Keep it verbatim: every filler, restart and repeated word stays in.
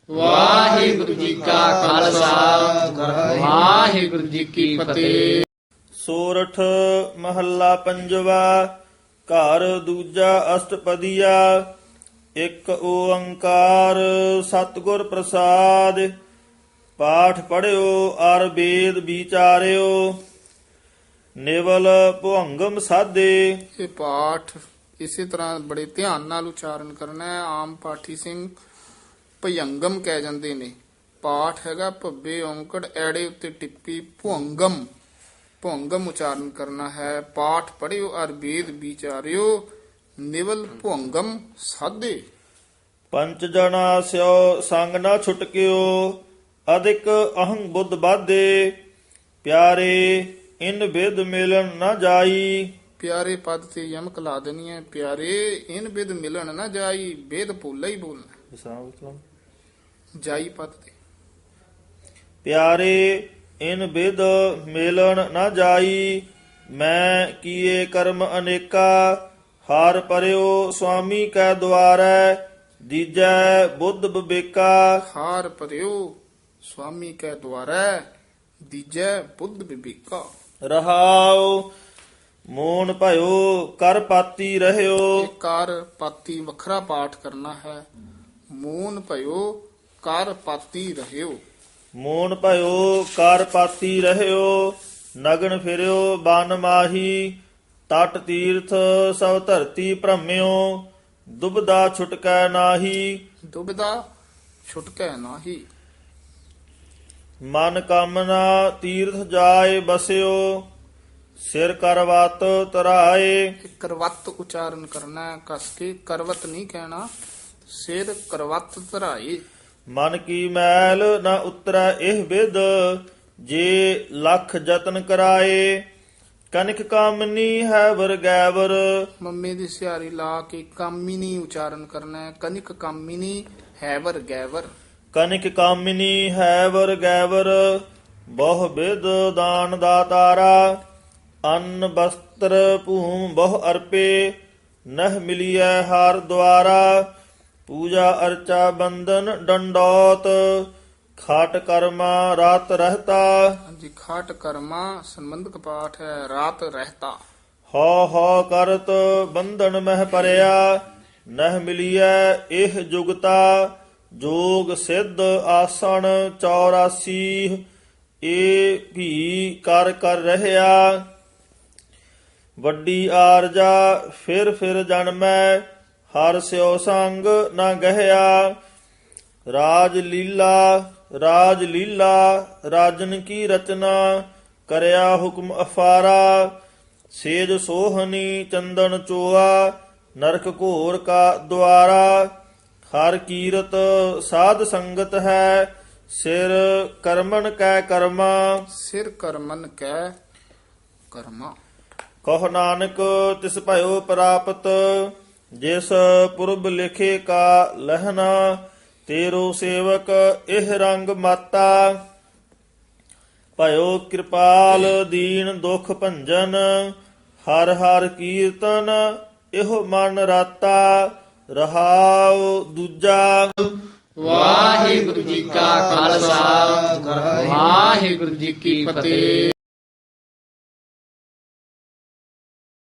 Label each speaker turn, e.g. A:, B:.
A: ਵਾਹਿਗੁਰੂ ਜੀ ਕਾ ਖਾਲਸਾ ਵਾਹਿਗੁਰੂ ਜੀ ਕੀ ਫਤਿਹ।
B: ਸੋਰਠ ਮਹੱਲਾ ਪੰਜਵਾ। ਘਰ ਦੂਜਾ ਅਸ਼ਟਪਦੀਆ। ਇੱਕ ਓੰਕਾਰ ਸਤਿਗੁਰ ਪ੍ਰਸਾਦ। ਪਾਠ ਪੜਿਓ ਅਰ ਵੇਦ ਵਿਚਾਰਿਓ। ਨਿਵਲ ਭੁਅੰਗਮ ਸਾਧੇ।
A: ਇਹ ਪਾਠ ਇਸੇ ਤਰ੍ਹਾਂ ਬੜੇ ਧਿਆਨ ਨਾਲ ਉਚਾਰਨ ਕਰਨਾ ਹੈ। ਆਮ ਪਾਠੀ ਸਿੰਘ ਭਯੰਗਮ ਕਹਿ ਜਾਂਦੇ ਨੇ। ਪਾਠ ਹੈਗਾ ਭੱਬੇ ਔਂਕੜ ਐੜੇ ਉੱਤੇ ਟਿੱਪੀ ਭੁਅੰਗਮ ਭੁਅੰਗਮ ਉਚਾਰਨ ਕਰਨਾ ਹੈ। ਪਾਠ ਪੜਿਓ ਅਰ ਵੇਦ ਵਿਚਾਰਿਓ। ਨਿਵਲ ਭੁਅੰਗਮ ਸਾਧੇ।
B: ਪੰਚ ਜਣਾ ਸਿਓ ਸੰਗ ਨਾ ਛੁਟਕਿਓ। ਅਧਿਕ ਅਹੰ ਬੁੱਧ ਬਾਧੇ। ਪਿਆਰੇ ਇਨ ਵਿਦ ਮਿਲਣ ਨਾ ਜਾਈ।
A: ਪਿਆਰੇ ਪਦ ਤੇ ਯਮਕ ਲਾ ਦੇਣੀ ਹੈ। ਪਿਆਰੇ ਇਨ ਵਿਦ ਮਿਲਣ ਨਾ ਜਾਈ। ਵੇਦ ਭੁੱਲਾ ਹੀ ਬੋਲਣਾ। ਜਾਈ ਪਦ ਤੇ।
B: ਪਿਆਰੇ ਇਨ ਵਿਦ ਮਿਲਣ ਨਾ ਜਾਈ। ਮੈਂ ਕੀਏ ਕਰਮ ਅਨੇਕਾ। ਹਾਰ ਪਰਿਓ ਸੁਆਮੀ ਕੈ ਦੁਆਰੈ। ਦੀਜੈ ਬੁੱਧ ਬਿਬੇਕਾ।
A: ਹਾਰ ਭਰਿਓ ਸੁਆਮੀ ਕੈ ਦੁਆਰੈ। ਦੀਜੈ ਬੁੱਧ ਬਿਬੇਕਾ।
B: ਰਹਾਉ ਮੋਨ ਭਇਓ ਕਰ ਪਾਤੀ ਰਹਿਓ।
A: ਇਹ ਕਰ ਪਾਤੀ ਵੱਖਰਾ ਪਾਠ ਕਰਨਾ ਹੈ। ਮੂਨ ਭਇਓ ਕਰ ਪਾਤੀ ਰਹਿਓ।
B: ਮੋਨ ਭਇਓ ਕਰ ਪਾਤੀ ਰਹਿਓ। ਨਗਨ ਫਿਰਿਓ ਬਨ ਮਾਹੀ। ਤਟ ਤੀਰਥ ਸਭ ਧਰਤੀ ਭ੍ਰਮਿਓ। ਦੁਬਦਾ ਛੁਟਕੈ ਨਾਹੀ।
A: ਦੁਬਿਧਾ ਛੁਟਕੈ ਨਾਹੀ।
B: ਮਨ ਕਾਮਨਾ ਤੀਰਥ ਜਾਏ ਬਸਿਓ। ਸਿਰ ਕਰਵਤ ਤਰਾਏ।
A: ਇਹ ਕਰਵਤ ਉਚਾਰਨ ਕਰਨਾ ਹੈ। ਕਸ ਕੇ ਕਰਵਤ ਨਹੀਂ ਕਹਿਣਾ। ਸਿਰ ਕਰਵਤ ਧਰਾਏ।
B: ਮਨ ਕੀ ਮੈਲ ਨਾ ਉਤਰੈ ਇਹ ਵਿਦ। ਜੇ ਲੱਖ ਯਤਨ ਕਰਾਏ। ਕਨਿਕ ਕਾਮਨੀ ਹੈ ਵਰ ਗੈਵਰ।
A: ਮੰਮੇ ਦੀ ਸਿਹਾਰੀ ਲਾ ਕੇ ਕਾਮਿਨੀ ਉਚਾਰਨ ਕਰਨਾ ਹੈ। ਕਨਿਕ ਕਾਮਿਨੀ ਹੈਵਰ ਗੈਵਰ।
B: ਕਨਿਕ ਕਾਮਿਨੀ ਹੈ ਵਰ ਗੈਵਰ। ਬਹੁ ਵਿਦ ਦਾਨ ਦਾਤਾਰਾ। ਅੰਨ ਬਸਤਰ ਭੂਮ ਬਹੁ ਅਰਪੇ। ਨਹ ਮਿਲੀਐ ਹਾਰ ਦੁਆਰਾ। ਪੂਜਾ ਅਰਚਾ ਬੰਦਨ ਡੰਡੌਤ। ਖਾਟ ਕਰਮਾ ਰਾਤ ਰਹਤਾ।
A: ਹਾਂਜੀ ਖਾਟ ਕਰਮਾ ਸੰਬੰਧਕ ਪਾਠ ਹੈ। ਰਾਤ ਰਹਿਤਾ।
B: ਹਉ ਹਉ ਕਰਤ ਬੰਧਨ ਮਹਿ ਪਰਿਆ। ਨਹ ਮਿਲੀਐ ਇਹ ਜੁਗਤਾ। ਜੋਗ ਸਿੱਧ ਆਸਣ ਚੌਰਾਸੀ। ਏ ਵੀ ਕਰ ਕਰ ਰਹਿਆ। ਵੱਡੀ ਆਰਜਾ ਫਿਰ ਫਿਰ ਜਨਮੈ। ਹਰ ਸਿਓ ਸੰਗ ਨਾ ਗਹਿਆ। ਰਾਜ ਲੀਲਾ ਰਾਜ ਲੀਲਾ ਰਾਜਨ ਕੀ ਰਚਨਾ। ਕਰਿਆ ਹੁਕਮ ਅਫਾਰਾ। ਸੇਜ ਸੋਹਣੀ ਚੰਦਨ ਚੋਆ। ਨਰਕ ਘੋਰ ਕਾ ਦੁਆਰਾ। ਹਰ ਕੀਰਤ ਸਾਧ ਸੰਗਤ ਹੈ। ਸਿਰ ਕਰਮਨ ਕੈ ਕਰਮਾ।
A: ਸਿਰ ਕਰਮਨ ਕੈ ਕਰਮਾ।
B: ਕਹੁ ਨਾਨਕ ਤਿਸ ਭਇਓ ਪ੍ਰਾਪਤ। ਜਿਸ ਪੁਰਬ ਲਿਖੇ ਕਾ ਲਹਿਣਾ। ਤੇਰੋ ਸੇਵਕ ਇਹ ਰੰਗ ਮਾਤਾ। ਭਇਓ ਕਿਰਪਾਲ ਦੀਨ ਦੁਖ ਭੰਜਨ। ਹਰ ਹਰ ਕੀਰਤਨ ਇਹੋ ਮਨ ਰਾਤਾ। ਰਹਾਉ ਦੂਜਾ।
A: ਵਾਹਿਗੁਰੂ ਜੀ ਕਾ ਖਾਲਸਾ ਵਾਹਿਗੁਰੂ ਜੀ ਕੀ ਫਤਿਹ।